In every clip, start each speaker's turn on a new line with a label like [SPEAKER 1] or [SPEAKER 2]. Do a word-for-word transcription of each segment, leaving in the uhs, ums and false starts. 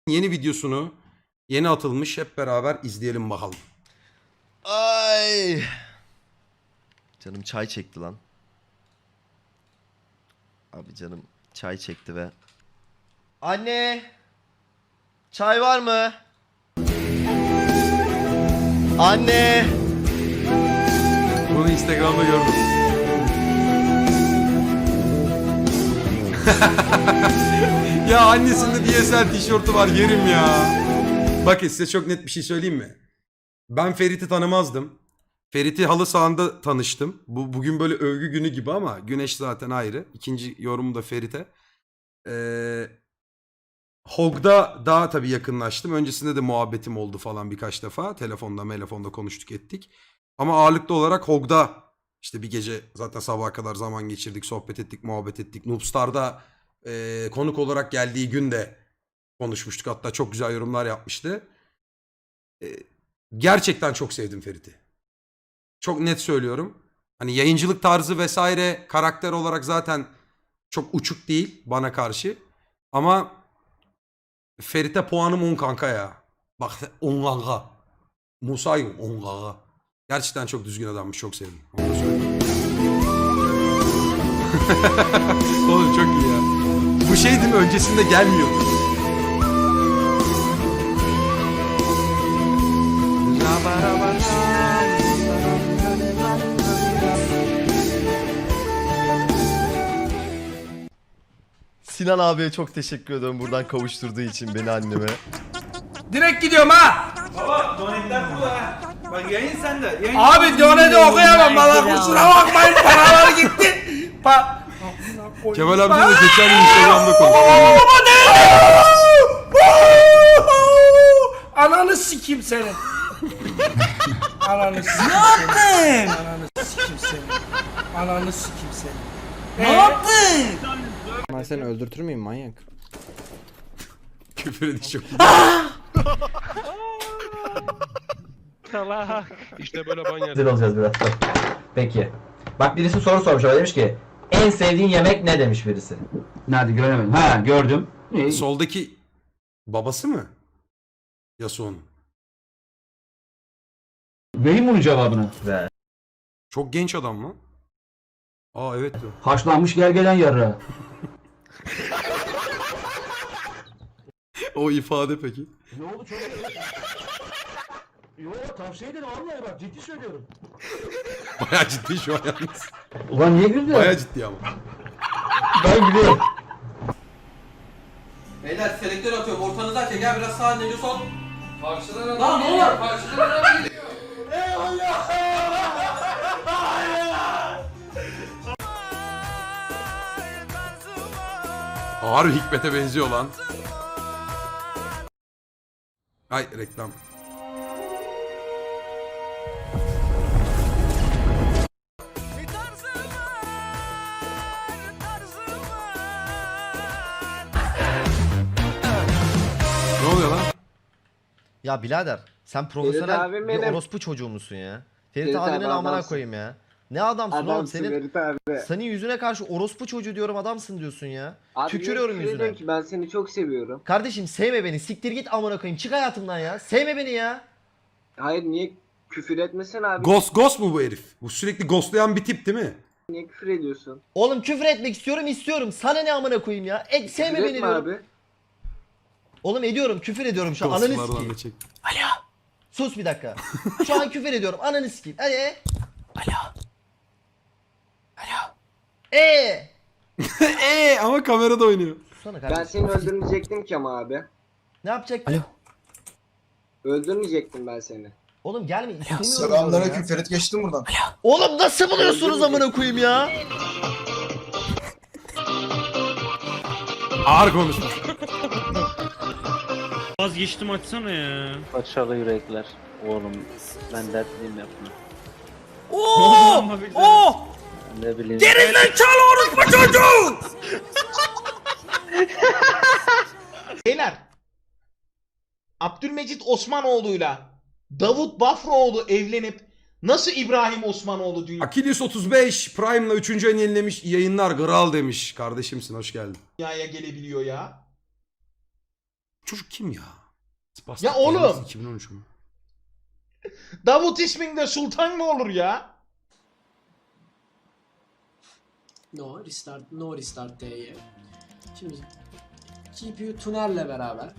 [SPEAKER 1] yeni videosunu yeni atılmış, hep beraber izleyelim bakalım.
[SPEAKER 2] Ay. Canım çay çekti lan. Abi canım çay çekti ve... Anne! Çay var mı? Anne!
[SPEAKER 1] Bunu Instagram'da gördüm. Ya annesinde D S L tişörtü var, yerim ya. Bakın size çok net bir şey söyleyeyim mi? Ben Ferit'i tanımazdım. Ferit'i halı sahanda tanıştım. Bu bugün böyle övgü günü gibi ama Güneş zaten ayrı. İkinci yorumu da Ferit'e. Ee, Hog'da daha tabii yakınlaştım. Öncesinde de muhabbetim oldu falan birkaç defa. Telefonda, telefonda konuştuk ettik. Ama ağırlıklı olarak Hog'da işte bir gece zaten sabaha kadar zaman geçirdik, sohbet ettik, muhabbet ettik. Noobstar'da e, konuk olarak geldiği gün de konuşmuştuk. Hatta çok güzel yorumlar yapmıştı. E, gerçekten çok sevdim Ferit'i. Çok net söylüyorum. Hani yayıncılık tarzı vesaire karakter olarak zaten çok uçuk değil bana karşı. Ama Ferit'e puanım on kanka ya. Bak on kanka. Musa'yım on kanka. Gerçekten çok düzgün adammış, çok sevdim. Onu da söyleyeyim. Oğlum çok iyi ya. Bu şey değil mi? Öncesinde gelmiyor.
[SPEAKER 2] Sinan abiye çok teşekkür ediyorum buradan kavuşturduğu için beni anneme.
[SPEAKER 3] Direkt gidiyorum ha.
[SPEAKER 4] Baba donetler burada ha. Bak yayın sende. Yayın
[SPEAKER 3] Abi doneti okuyamam bana, kusura bakmayın, paralar gitti. Pa
[SPEAKER 1] Kemal amca da geçen gün Instagram'da konuştu.
[SPEAKER 3] Ananı sikeyim senin. Ananı sikeyim.
[SPEAKER 5] Ne yaptın?
[SPEAKER 3] Ananı sikeyim senin. Ananı sikeyim senin.
[SPEAKER 5] Ne yaptın?
[SPEAKER 6] Ben seni öldürtür müyüm manyak?
[SPEAKER 1] Küfür ediş çok iyi.
[SPEAKER 7] İşte böyle banyer.
[SPEAKER 8] Hazır olacağız biraz sonra. Peki. Bak birisi soru sormuş ama demiş ki en sevdiğin yemek ne demiş birisi.
[SPEAKER 9] Nerede göremedim. Ha gördüm. Ne?
[SPEAKER 1] Soldaki babası mı? Yasuo'nun.
[SPEAKER 9] Vereyim bunun cevabını.
[SPEAKER 8] Ve
[SPEAKER 1] Çok genç adam lan. Aa evet diyor.
[SPEAKER 9] Haşlanmış gergelen yarrağı.
[SPEAKER 1] O ifade peki.
[SPEAKER 9] Ne oldu çok? Yo tavsiye ederim vallahi bak ciddi söylüyorum.
[SPEAKER 1] Bayağı ciddi şu an yalnız.
[SPEAKER 9] Ulan niye güldün?
[SPEAKER 1] Bayağı ciddi ama.
[SPEAKER 9] Ben gülüyorum.
[SPEAKER 4] Beyler selektör atıyorum. Ortanızı açın. Gel biraz sağa dönüyor sol. Karşıdan adam. Lan ne olur? Karşıdan adam geliyor.
[SPEAKER 1] Ağır Hikmet'e benziyor lan. Ay reklam. Ne oluyor lan?
[SPEAKER 2] Ya birader sen profesyonel
[SPEAKER 10] abim
[SPEAKER 2] bir
[SPEAKER 10] benim.
[SPEAKER 2] orospu çocuğu musun ya? Ferit,
[SPEAKER 10] Ferit
[SPEAKER 2] abinin
[SPEAKER 10] abi,
[SPEAKER 2] amına
[SPEAKER 10] adamsın.
[SPEAKER 2] koyayım ya. Ne adamsın, oğlum
[SPEAKER 10] Adamsın
[SPEAKER 2] senin
[SPEAKER 10] Ferit abi.
[SPEAKER 2] senin yüzüne karşı orospu çocuğu diyorum, adamsın diyorsun ya.
[SPEAKER 10] Abi
[SPEAKER 2] Tükürüyorum
[SPEAKER 10] niye küfür
[SPEAKER 2] yüzüne.
[SPEAKER 10] ediyorsun ki? Ben seni çok seviyorum.
[SPEAKER 2] Kardeşim sevme beni, siktir git amına koyayım, çık hayatımdan ya. Sevme beni ya.
[SPEAKER 10] Hayır niye küfür etmesen abi?
[SPEAKER 1] Ghost Ghost mu bu herif? Bu sürekli ghostlayan bir tip değil mi?
[SPEAKER 10] Niye küfür ediyorsun?
[SPEAKER 2] Oğlum küfür etmek istiyorum istiyorum. Sana ne amına koyayım ya? E, sevme
[SPEAKER 10] Küfür
[SPEAKER 2] beni
[SPEAKER 10] etme
[SPEAKER 2] diyorum.
[SPEAKER 10] abi.
[SPEAKER 2] Oğlum ediyorum, küfür ediyorum şu an. Ananı
[SPEAKER 1] Ghostlardan
[SPEAKER 2] sikeyim.
[SPEAKER 1] da çek.
[SPEAKER 2] Sus bir dakika. Şu an küfür ediyorum. Ananı sikeyim. Hadi. Alo. Alo. Eee.
[SPEAKER 1] Eee ama kamerada oynuyor.
[SPEAKER 2] Susana
[SPEAKER 10] Ben
[SPEAKER 2] kardeşim.
[SPEAKER 10] seni öldürmeyecektim ki ama abi.
[SPEAKER 2] Ne yapacaktın? Alo.
[SPEAKER 10] Öldürmeyecektim ben seni.
[SPEAKER 2] Oğlum gelme istemiyorum.
[SPEAKER 11] Selamünaleyküm
[SPEAKER 2] ya.
[SPEAKER 11] Ferit geçtim buradan.
[SPEAKER 2] Oğlum nasıl buluyorsunuz amına koyayım ya?
[SPEAKER 1] Ağır konuşma.
[SPEAKER 7] Vazgeçtim açsana ya.
[SPEAKER 4] Paçalı yürekler. Oğlum ben dertliyim yapma.
[SPEAKER 5] Oo! Oo!
[SPEAKER 4] Ne bileyim.
[SPEAKER 5] Gerizekalı orospu çocuğu!
[SPEAKER 3] Beyler. Abdülmecit Osmanoğlu'yla Davut Bafraoğlu evlenip nasıl İbrahim Osmanoğlu
[SPEAKER 1] Akilius otuz beş Prime'la üçüncü ayını yenilemiş, yayınlar kral demiş. Kardeşimsin, hoş geldin.
[SPEAKER 3] dünyaya gelebiliyor ya?
[SPEAKER 1] Çocuk kim ya? Spastik
[SPEAKER 3] Ya oğlum!
[SPEAKER 1] Yalnız iki bin on üç mü?
[SPEAKER 3] Davut isminde sultan mı olur ya?
[SPEAKER 11] No restart, no restart T'ye. Şimdi G P U tunerle beraber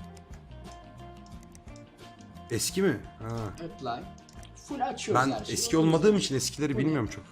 [SPEAKER 1] Eski mi? Ha.
[SPEAKER 11] apply. Full açıyoruz
[SPEAKER 1] Ben
[SPEAKER 11] her şeyi.
[SPEAKER 1] eski olmadığım için eskileri bilmiyorum çok.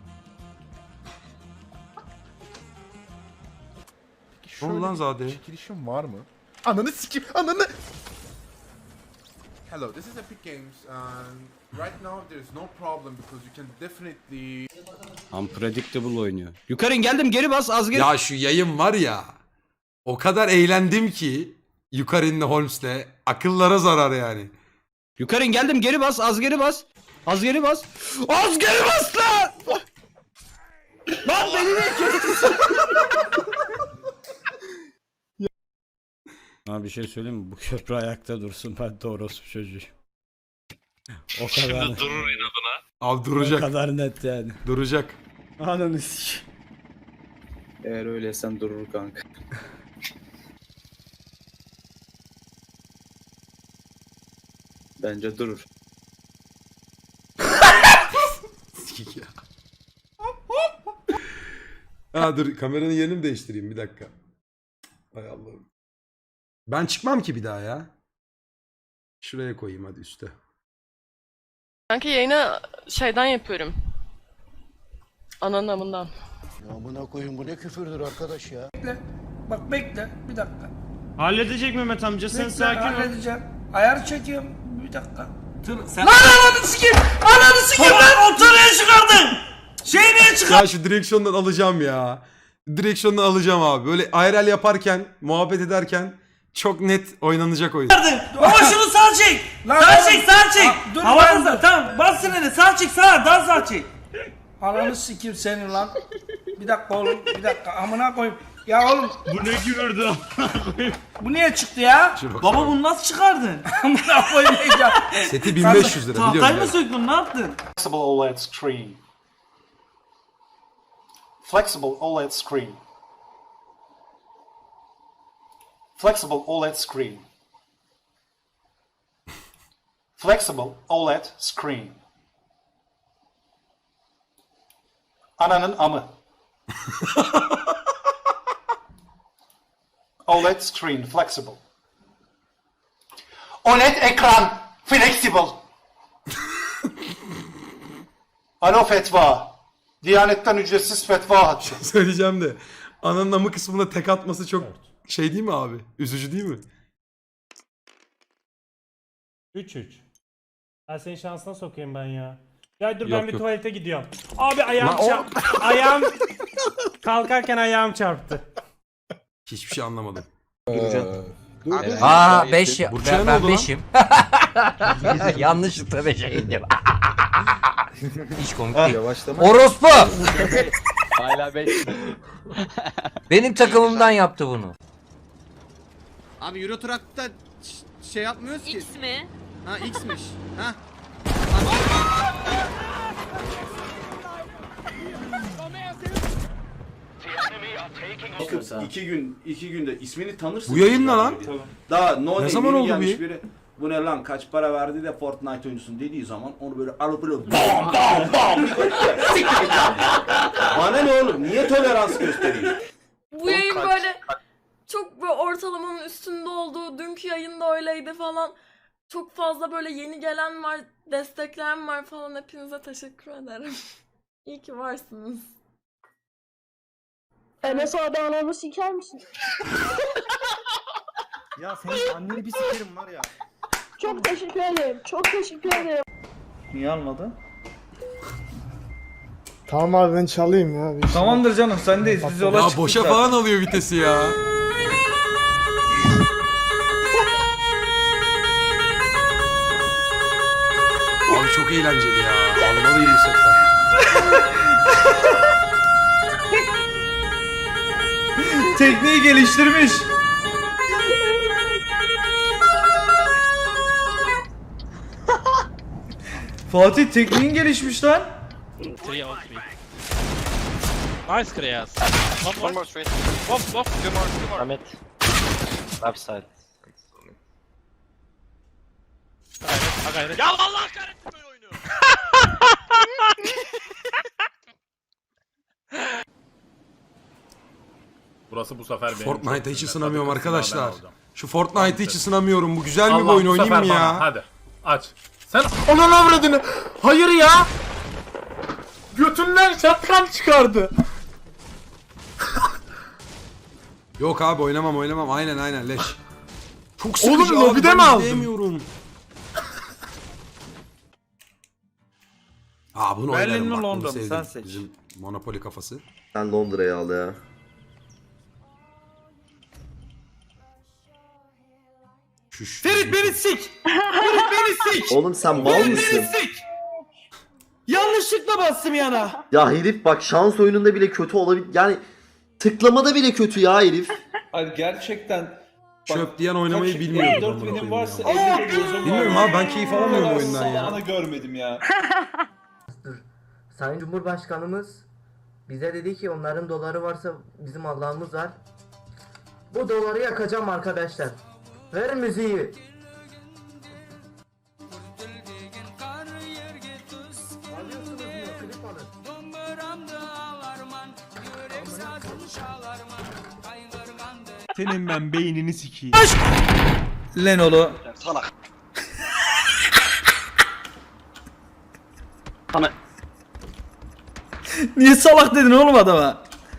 [SPEAKER 1] Ne oldu lan Zade?
[SPEAKER 7] Çekilişim var mı? Ananı sikim, ananı! Hello, this is Epic Games and right now there's no problem because you can definitely...
[SPEAKER 5] Unpredictable oynuyor. Yukarı geldim geri bas az geri.
[SPEAKER 1] Ya şu yayın var ya. O kadar eğlendim ki Yukarı'nın Holmes'le akıllara zarar yani.
[SPEAKER 5] Yukarı geldim geri bas az geri bas. Az geri bas. Az geri bas lan! Lan beni niye kestin? Abi bir şey söyleyeyim mi? Bu köprü ayakta dursun, ben de orospu çocuğuyum. O kadar.
[SPEAKER 7] durur inadına.
[SPEAKER 1] Abi
[SPEAKER 5] O
[SPEAKER 1] duracak.
[SPEAKER 5] kadar net yani.
[SPEAKER 1] Duracak.
[SPEAKER 5] Ananı sik.
[SPEAKER 6] Eğer öyleysen durur kanka. Bence durur.
[SPEAKER 1] Sikik ya. Ha dur kameranın yerini mi değiştireyim bir dakika. Hay Allah'ım. Ben çıkmam ki bir daha ya. Şuraya koyayım hadi üste.
[SPEAKER 12] Kanka yayını şeyden yapıyorum. Ananın amından.
[SPEAKER 9] Amına koyun bu ne küfürdür arkadaş ya.
[SPEAKER 5] Bak bekle bir dakika.
[SPEAKER 7] Halledecek Mehmet amca, sen sakin ol.
[SPEAKER 5] Halledeceğim. Ayar çekiyorum bir dakika. Sen... Lan ananı sikeyim! Ananı sikeyim lan! Ortaya çıkardın! Şeyi niye çıkardın?
[SPEAKER 1] Ya şu direksiyondan alacağım ya. Direksiyondan alacağım abi. Böyle I R L yaparken, muhabbet ederken çok net oynanacak oyun.
[SPEAKER 5] Ama şunu sağ çek! Sağ çek sağ çek! Havada tamam bas siniri sağ çek sağ daha sağ çek. Ananı sikeyim seni lan. Bir dakika oğlum bir dakika amına koyayım. Ya oğlum
[SPEAKER 7] Bu ne gürürdü
[SPEAKER 5] bu niye çıktı ya?
[SPEAKER 1] Şuna
[SPEAKER 5] Baba
[SPEAKER 1] baksana.
[SPEAKER 5] bunu nasıl çıkardın? Amına koyayım ya.
[SPEAKER 1] Seti bin beş yüz lira biliyorum.
[SPEAKER 5] Tahtayı mı
[SPEAKER 1] yani.
[SPEAKER 5] söktün ne yaptın?
[SPEAKER 9] Flexible O L E D screen. Flexible O L E D screen. Flexible O L E D screen. Flexible O L E D screen. Ananın amı. O L E D screen flexible. O L E D ekran flexible. Alo fetva. Diyanetten ücretsiz fetva hattı.
[SPEAKER 1] Söyleyeceğim de. Ananın amı kısmında tek atması çok şey değil mi abi? Üzücü değil mi?
[SPEAKER 7] üç üç. Ben senin şansına sokayım ben ya. Ya dur
[SPEAKER 1] Yok,
[SPEAKER 7] ben bir
[SPEAKER 1] yok.
[SPEAKER 7] tuvalete gidiyorum. Abi ayağım
[SPEAKER 1] Lan o-
[SPEAKER 7] çarptı. Ayağım kalkarken ayağım çarptı.
[SPEAKER 1] Hiçbir şey anlamadım.
[SPEAKER 6] Aa beş ya.
[SPEAKER 1] Burçaya ne
[SPEAKER 6] Ben
[SPEAKER 1] oldu lan?
[SPEAKER 6] beşim. Yanlışlıkla beşe indim. Hiç komik değil. Orospu!
[SPEAKER 4] Hala beş.
[SPEAKER 6] Benim takımımdan yaptı bunu.
[SPEAKER 4] Abi Euro Truck'ta şey yapmıyoruz ki.
[SPEAKER 12] X mi?
[SPEAKER 4] Ha X'miş. Ha.
[SPEAKER 9] İki gün, iki günde ismini tanırsın.
[SPEAKER 1] Bu yayın ne lan?
[SPEAKER 9] Daha no
[SPEAKER 1] Ne
[SPEAKER 9] name,
[SPEAKER 1] zaman
[SPEAKER 9] yeni
[SPEAKER 1] oldu bu
[SPEAKER 9] gelmiş
[SPEAKER 1] yayın?
[SPEAKER 9] biri. Bu ne lan kaç para verdi de Fortnite oyuncusun dediği zaman onu böyle alıp böyle bam bam bam siktir git lan. Bana ne oğlum niye tolerans göstereyim?
[SPEAKER 12] Bu yayın böyle çok böyle ortalamanın üstünde olduğu, dünkü yayında öyleydi falan. Çok fazla böyle yeni gelen var, destekleyen var falan. Hepinize teşekkür ederim. İyi ki varsınız. Enes abi anamı siker misin?
[SPEAKER 9] Ya senin anneni bir sikerim var ya.
[SPEAKER 12] Çok teşekkür ederim. Çok teşekkür ederim.
[SPEAKER 5] Niye almadı?
[SPEAKER 9] Tamam abi ben çalayım ya.
[SPEAKER 5] Tamamdır canım sendeyiz biz yola
[SPEAKER 1] Ya
[SPEAKER 5] çıktık
[SPEAKER 1] boşa
[SPEAKER 5] zaten.
[SPEAKER 1] falan alıyor vitesi ya. Abi çok eğlenceli ya. Almalıyım bu sefer.
[SPEAKER 5] Tekniği geliştirmiş. Fatih tekniğin gelişmiş lan.
[SPEAKER 7] Nice Kreyas. One more straight. Off off. Two more, two more.
[SPEAKER 4] Ahmet. Left side.
[SPEAKER 6] gayret.
[SPEAKER 4] Ya Allah kahretsin böyle oyunu.
[SPEAKER 6] Burası bu sefer benim.
[SPEAKER 1] Fortnite'a hiç
[SPEAKER 6] çok
[SPEAKER 1] ısınamıyorum
[SPEAKER 6] Tabii kısımlardan
[SPEAKER 1] arkadaşlar.
[SPEAKER 6] alacağım.
[SPEAKER 1] Şu Fortnite'a hiç ısınamıyorum. Bu güzel bir
[SPEAKER 6] Allah,
[SPEAKER 1] oyun
[SPEAKER 6] bu
[SPEAKER 1] oynayayım
[SPEAKER 6] sefer
[SPEAKER 1] mı
[SPEAKER 6] bana.
[SPEAKER 1] ya?
[SPEAKER 6] Hadi aç. Sen onun avradını. Hayır ya. Götünden şapkan çıkardı.
[SPEAKER 1] Yok abi oynamam oynamam. Aynen aynen leş. Çok
[SPEAKER 6] Oğlum,
[SPEAKER 1] sıkıcı abi.
[SPEAKER 6] lobide
[SPEAKER 1] ben
[SPEAKER 6] mi aldın?
[SPEAKER 1] izleyemiyorum. Aa bunu
[SPEAKER 5] Berlin
[SPEAKER 1] oynarım
[SPEAKER 5] mi,
[SPEAKER 1] bak. Bunu
[SPEAKER 5] Londra mı?
[SPEAKER 1] sevdim.
[SPEAKER 5] Sen seç.
[SPEAKER 1] Bizim Monopoly kafası.
[SPEAKER 2] Sen Londra'yı al ya.
[SPEAKER 1] Şuş.
[SPEAKER 5] Ferit beni sik. Ferit beni sik.
[SPEAKER 2] Oğlum sen mal
[SPEAKER 5] Ferit
[SPEAKER 2] mısın?
[SPEAKER 5] beni sik. Yanlışlıkla bastım yana.
[SPEAKER 2] Ya herif bak şans oyununda bile kötü olabilir. Yani tıklamada bile kötü ya herif.
[SPEAKER 5] Ay gerçekten.
[SPEAKER 1] Çöp diyen oynamayı bilmiyorum.
[SPEAKER 5] dört
[SPEAKER 1] amına
[SPEAKER 5] binim
[SPEAKER 1] koyayım
[SPEAKER 5] varsa
[SPEAKER 1] ya.
[SPEAKER 5] elli gözüm
[SPEAKER 1] Bilmiyorum abi ben keyif alamıyorum oyundan ya.
[SPEAKER 5] Salağını görmedim ya.
[SPEAKER 8] Sayın Cumhurbaşkanımız bize dedi ki onların doları varsa bizim Allah'ımız var. Bu doları yakacağım arkadaşlar. Ver müziği. Alıyorsunuz mu? Klip alın.
[SPEAKER 5] Senin ben beynini sikeyim. Lenolu.
[SPEAKER 4] Salak.
[SPEAKER 5] Niye salak dedin oğlum adama?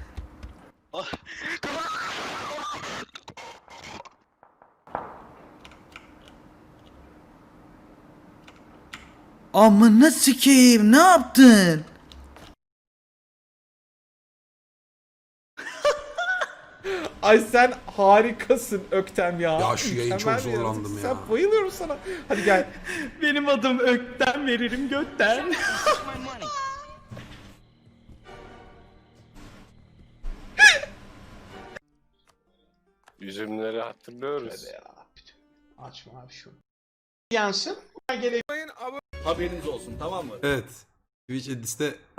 [SPEAKER 5] Amına sikeyim, ne yaptın?
[SPEAKER 3] Ay sen harikasın Öktem ya.
[SPEAKER 1] Ya şu yayın çok
[SPEAKER 3] Mükemmel bir
[SPEAKER 1] zorlandım
[SPEAKER 3] yaratıksın.
[SPEAKER 1] ya.
[SPEAKER 3] Sen bayılıyorum sana. Hadi gel.
[SPEAKER 5] Benim adım Ökten, veririm götten.
[SPEAKER 6] Üzümleri hatırlıyoruz.
[SPEAKER 3] Hadi ya. Açma abi şunu. Yansın. Gelelim.
[SPEAKER 9] Haberiniz olsun tamam mı?
[SPEAKER 1] Evet. Twitch Edis'te